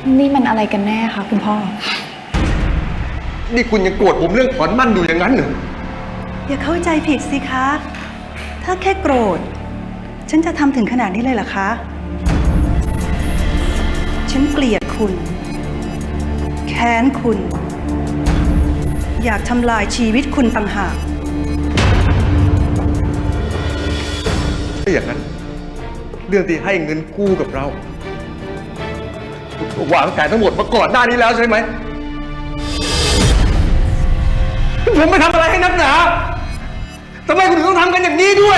นี่มันอะไรกันแน่คะคุณพ่อนี่คุณยังโกรธผมเรื่องถอนมั่นอยู่อย่างนั้นเหรออย่าเข้าใจผิดสิคะ ถ้าแค่โกรธฉันจะทำถึงขนาดนี้เลยเหรอคะ ฉันเกลียดคุณแค้นคุณ อยากทำลายชีวิตคุณต่างหากถ้าอย่างนั้นเรื่องที่ให้เงินกู้กับเราวางแผนทั้งหมดมาก่อนหน้านี้แล้วใช่ไหมผมไปทำอะไรให้นักหนาทำไมคุณถึงต้องทำกันอย่างนี้ด้วย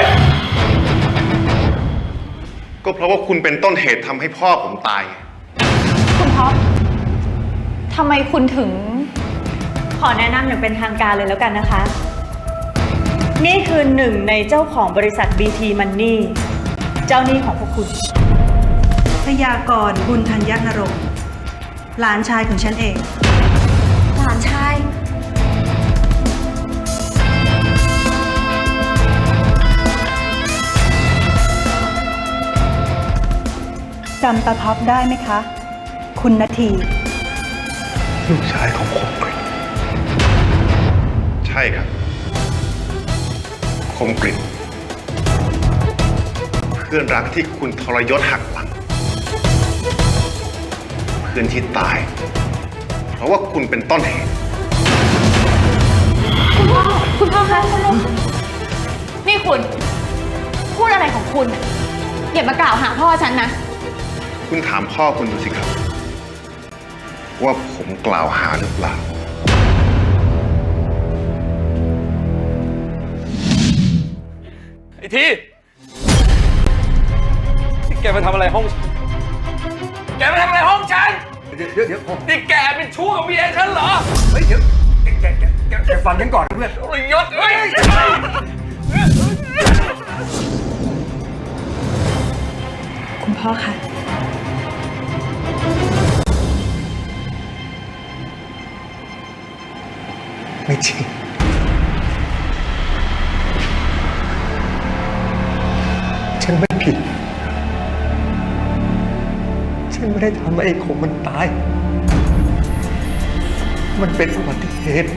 ก็เพราะว่าคุณเป็นต้นเหตุทำให้พ่อผมตายคุณท็อปทำไมคุณถึงขอแนะนำอย่างเป็นทางการเลยแล้วกันนะคะนี่คือหนึ่งในเจ้าของบริษัท BT Money เจ้าหนี้ของพวกคุณพยากรณ์บุญธัญนรงค์หลานชายของฉันเองหลานชายจำตาท็อปได้ไหมคะ คุณนาทีลูกชายของคมกริตใช่ครับคมกริตเพื่อนรักที่คุณทรยศหักหลังเพื่อนที่ตายเพราะว่าคุณเป็นต้นเหตุคุณพ่อคะนี่คุณพูดอะไรของคุณอย่ามากล่าวหาพ่อฉันนะคุณถามพ่อคุณดูสิครับว่าผมกล่าวหาหรือเปล่าไอ้ทีแกมาทำอะไรห้องแกมาทำอะไรห้องฉันเดี๋ยวนี่แกเป็นชู้กับเมียฉันเหรอเฮ้ยเดี๋ยวแกฟังฉันก่อนเพื่อนยศเฮ้ยคุณพ่อคะไม่จริงฉันไม่ผิดฉันไม่ได้ทำให้ไอ้คมมันตายมันเป็นอุบัติเหตุ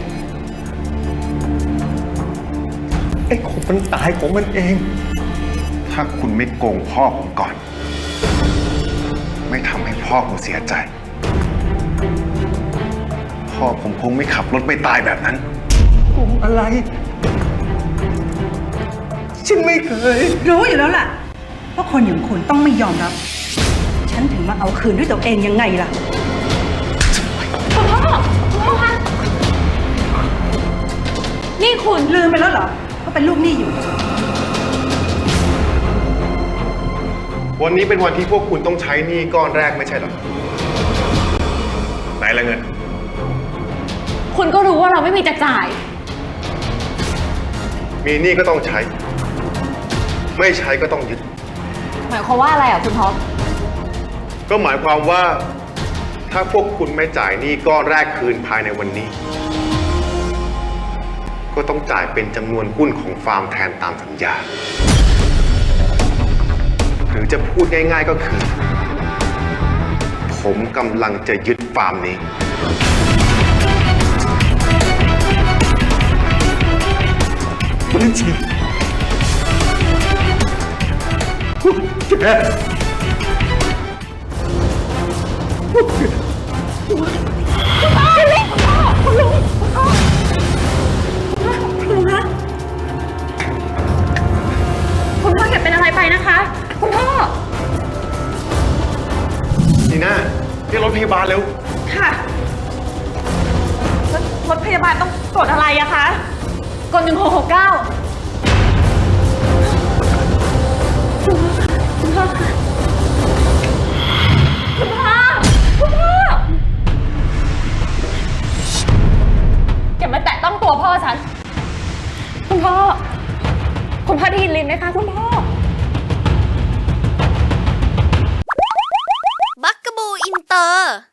ไอ้คมมันตายของมันเองถ้าคุณไม่โกงพ่อผมก่อนไม่ทำให้พ่อผมเสียใจพ่อผมคงไม่ขับรถไปตายแบบนั้นโกงอะไรฉันไม่เคยรู้อยู่แล้วล่ะว่าคนอย่างคุณต้องไม่ยอมรับฉันถึงมาเอาคืนด้วยตัวเองยังไงล่ะคุณพ่อคะนี่คุณลืมไปแล้วเหรอว่าเป็นลูกหนี้อยู่วันนี้เป็นวันที่พวกคุณต้องใช้หนี้ก้อนแรกไม่ใช่หรอไหนละเงินคุณก็รู้ว่าเราไม่มีจะจ่ายมีหนี้ก็ต้องใช้ไม่ใช้ก็ต้องยึดหมายความว่าอะไรอ่ะคุณท็อปก็หมายความว่าถ้าพวกคุณไม่จ่ายหนี้ก้อนแรกคืนภายในวันนี้ก็ต้องจ่ายเป็นจำนวนหุ้นของฟาร์มแทนตามสัญญาหรือจะพูดง่ายๆก็คือผมกำลังจะยึดฟาร์มนี้ไม่จริงแกคุณพ่อแกเป็นอะไรไปนะคะคุณพ่อนีน่าเรียกรถพยาบาลเร็วค่ะรถพยาบาลต้องกดอะไรอะคะกด1669คุณพ่อค่ะคุณพ่ออย่ามาแตะต้องตัวพ่อฉันคุณพ่อได้ยินลินไหมคะคุณพ่อบักกะบูอินเตอร์